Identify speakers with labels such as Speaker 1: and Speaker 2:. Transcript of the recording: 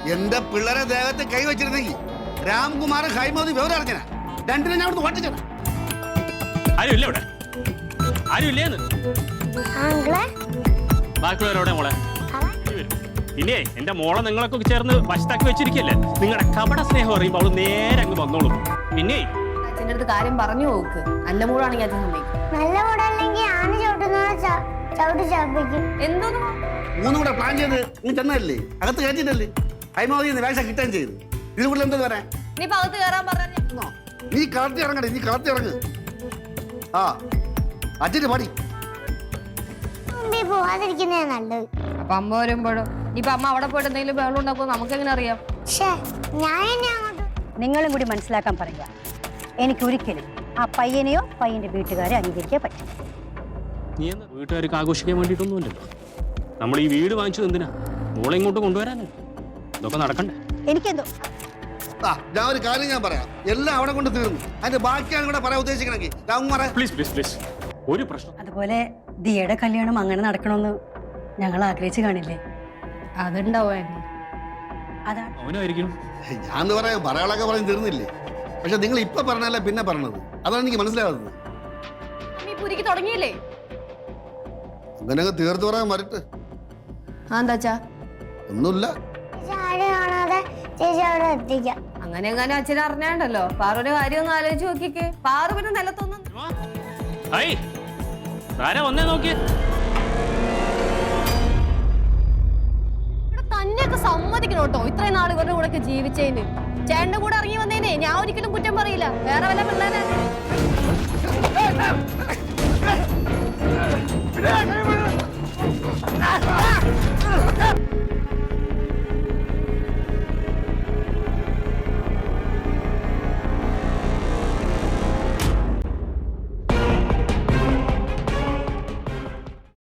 Speaker 1: എന്റെ പിള്ളേരെ ദേഹത്തെ കൈവച്ചിരുന്നെങ്കിൽ രാംകുമാർ ഹൈമോദി വിവരം അറിഞ്ഞന രണ്ടിനെ ഞാൻ അവിടെ ഓട്ടിച്ചത്.
Speaker 2: ആരുമില്ല ഇവിടെ, ആരുമില്ലേന്ന്. ബാക്കിയുള്ളവരോടെ മോളെ ഇല്ലേ? എന്റെ മോളെ നിങ്ങളൊക്കെ ചേർന്ന് വശത്താക്കി വെച്ചിരിക്കല്ലേ. നിങ്ങളുടെ കപട സ്നേഹം അറിയുമ്പോൾ അവള് നേരെ അങ്ങ് വന്നോളും. പിന്നെ
Speaker 3: അച്ഛൻ്റെ അടുത്ത് കാര്യം പറഞ്ഞു നോക്ക്. നല്ല മൂടാണെങ്കിൽ അച്ഛൻ സമ്മതിക്കും.
Speaker 4: നല്ല മൂടല്ലെങ്കിൽ ആന ചവിട്ടി ചാപ്പിക്കും.
Speaker 3: എന്തോന്നു
Speaker 1: മൂന്നും കൂടെ പ്ലാൻ ചെയ്ത് നീ ചെന്നതല്ലേ, അകത്ത് കയറ്റിട്ടല്ലേ ഹൈമോദി വേഷ കിട്ടാൻ ചെയ്ത്. ഇത് കൂടുതൽ എന്താ പറയാ?
Speaker 3: നീ പകത്ത് കയറാൻ പറഞ്ഞ
Speaker 1: നീ കളത്തി ഇറങ്ങണേ, നീ കളത്തി ഇറങ്ങ്. ആ അച്ഛന് പാടി
Speaker 4: പോവാതിരിക്കുന്നേ നല്ലത്.
Speaker 3: അപ്പൊ അമ്മ വരുമ്പോഴോ ഇനിയിപ്പൊ അമ്മ അവിടെ പോയിട്ട് എന്തെങ്കിലും ബഹളം ഉണ്ടാക്കുമോ നമുക്ക് എങ്ങനെ അറിയാം?
Speaker 5: നിങ്ങളും കൂടി മനസ്സിലാക്കാൻ പറയുക. എനിക്കൊരിക്കലും ആ പയ്യനെയോ പയ്യന്റെ വീട്ടുകാരെ അംഗീകരിക്കാൻ പറ്റും.
Speaker 2: നീ എന്താ വീട്ടുകാർക്ക് ആഘോഷിക്കാൻ വേണ്ടിയിട്ടൊന്നുമില്ലല്ലോ. നമ്മൾ ഈ വീട് വാങ്ങിച്ചത് എന്തിനാ? മോളെ ഇങ്ങോട്ട് കൊണ്ടുവരാനല്ലോ. ഇതൊക്കെ നടക്കണ്ടേ?
Speaker 5: എനിക്കെന്തോ
Speaker 1: ഞാൻ ഒരു കാര്യം ഞാൻ പറയാം, എല്ലാം അവിടെ കൊണ്ട് തീർന്നു. അതിന്റെ ബാക്കിയാണ് കൂടെ പറയാൻ ഉദ്ദേശിക്കണമെങ്കിൽ രാംകുമാറെ
Speaker 2: പ്ലീസ് പ്ലീസ് പ്ലീസ് ഒരു പ്രശ്നം.
Speaker 5: അതുപോലെ ദിയയുടെ കല്യാണം അങ്ങനെ നടക്കണമെന്ന് ഞങ്ങൾ ആഗ്രഹിച്ചു കാണില്ലേ?
Speaker 3: അതുണ്ടാവോ?
Speaker 5: അതാണ്
Speaker 2: അവനായിരിക്കും.
Speaker 1: ഞാൻ പറയാളൊക്കെ പറഞ്ഞ് തീർന്നില്ലേ? പക്ഷെ നിങ്ങൾ ഇപ്പൊ പറഞ്ഞല്ല പിന്നെ പറഞ്ഞത്, അതാണ് എനിക്ക് മനസ്സിലാവുന്നത്.
Speaker 3: നീ പുരിക്ക് തുടങ്ങിയില്ലേ?
Speaker 1: അങ്ങനെയൊക്കെ തീർത്തു പറയാൻ വരട്ടെ.
Speaker 3: എന്താച്ചാ
Speaker 1: ഒന്നുമില്ല,
Speaker 4: കാണാതെ ചേച്ചി അവിടെ എത്തിക്കാം.
Speaker 3: അങ്ങനെ എങ്ങനെ അച്ഛനെ അറിഞ്ഞാണ്ടല്ലോ. പാറുവിന്റെ കാര്യം ഒന്ന് ആലോചിച്ച് നോക്കിക്കേ. പാറു പിന്നെ നിലത്തൊന്നും
Speaker 2: വന്നേ നോക്കിയേ.
Speaker 3: തന്നെയൊക്കെ സമ്മതിക്കണം കേട്ടോ. ഇത്രയും നാൾ ഇവരുടെ കൂടെ ഒക്കെ ജീവിച്ചതിന്. ചേട്ടന്റെ കൂടെ ഇറങ്ങി വന്നേനെ ഞാൻ ഒരിക്കലും കുറ്റം പറയില്ല. വേറെ വല്ല പിള്ളേരെ